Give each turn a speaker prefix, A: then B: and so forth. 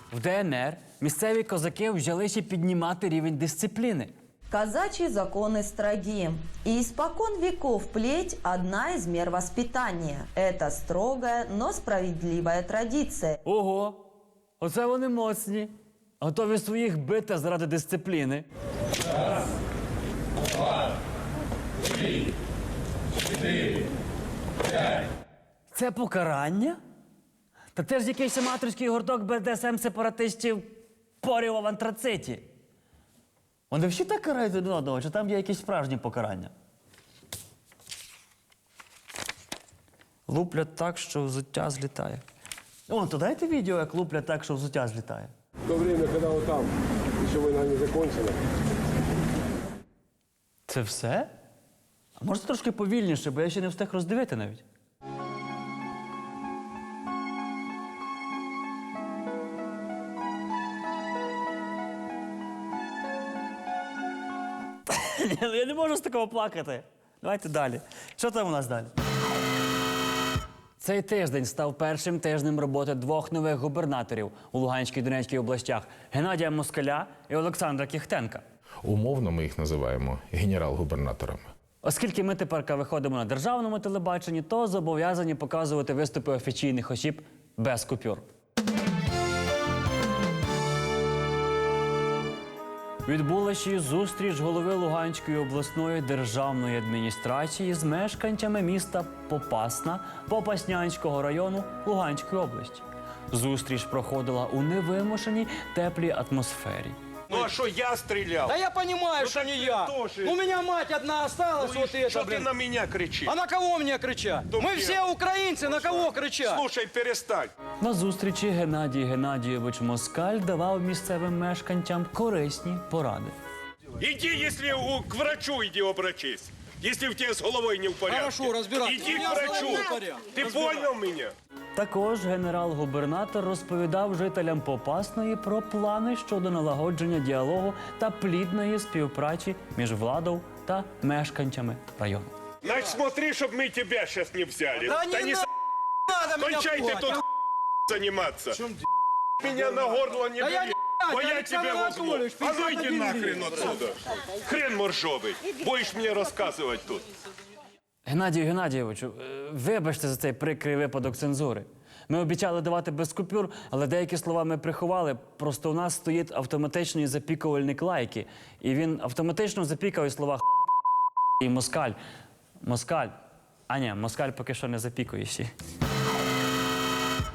A: В ДНР місцеві козаки взялися піднімати рівень дисципліни.
B: Казачьи законы строги. И испокон веков плеть – одна из мер воспитания. Это строгая, но справедливая традиция.
A: Ого, оце вони моцні. Готові своїх бити заради дисципліни.
C: Раз, два, три, чотири, п'ять.
A: Це покарання? Та це ж якийсь аматорський гурток БДСМ-сепаратистів поріва в антрациті. Вони всі так карають один одного, чи там є якісь справжні покарання? Луплять так, що взуття злітає. О, то дайте відео, як луплять так, що взуття злітає.
D: В то время, когда вот там еще война не закончена.
A: Це все? А може трошки повільніше, бо я ще не встиг роздивити навіть. Я не можу з такого плакати. Давайте далі. Що там у нас далі? Цей тиждень став першим тижнем роботи двох нових губернаторів у Луганській і Донецькій областях – Геннадія Москаля і Олександра Кіхтенка.
E: Умовно ми їх називаємо генерал-губернаторами.
A: Оскільки ми тепер виходимо на державному телебаченні, то зобов'язані показувати виступи офіційних осіб без купюр. Відбулася зустріч голови Луганської обласної державної адміністрації з мешканцями міста Попасна Попаснянського району Луганської області. Зустріч проходила у невимушеній теплій атмосфері.
F: Ну а что я стрелял?
G: Да я понимаю, что не я.
F: тоже.
G: У меня мать одна осталась, вот это,
F: Что ты
G: блин.
F: на меня кричишь?
G: А на кого мне кричать?
F: Да
G: Мы
F: где?
G: все украинцы, на кого кричать?
F: Слушай, перестань.
A: На зустрічі Геннадій Геннадійович Москаль давав місцевим мешканцям корисні поради.
F: Иди, если к врачу иди обращись. Если у тебя с головой не в порядке.
G: Хорошо, разбираться.
F: Иди
G: У
F: к
G: меня с
F: врачу.
G: головой в порядке.
F: Ты понял меня?
A: Також генерал-губернатор розповідав жителям Попасної про плани щодо налагодження діалогу та плідної співпраці між владою та мешканцями району.
F: Значит, смотри, чтобы мы тебя сейчас не взяли.
G: Да не
F: не
G: надо меня
F: кончай ты
G: пугать.
F: тут заниматься. Меня на горло не
G: Да я
F: бери.
G: не
F: Бо я
G: Александр
F: тебя возьму.
G: Анатольевич,
F: А ну
G: 50
F: иди
G: на
F: нахрен
G: деревья.
F: отсюда. Хрен моржовый. Будешь мне рассказывать тут.
A: Геннадію Геннадійовичу, вибачте за цей прикрий випадок цензури. Ми обіцяли давати без купюр, але деякі слова ми приховали. Просто у нас стоїть автоматичний запікувальник лайки. І він автоматично запікав і слова і москаль. Москаль. А ні, москаль поки що не запікує ще.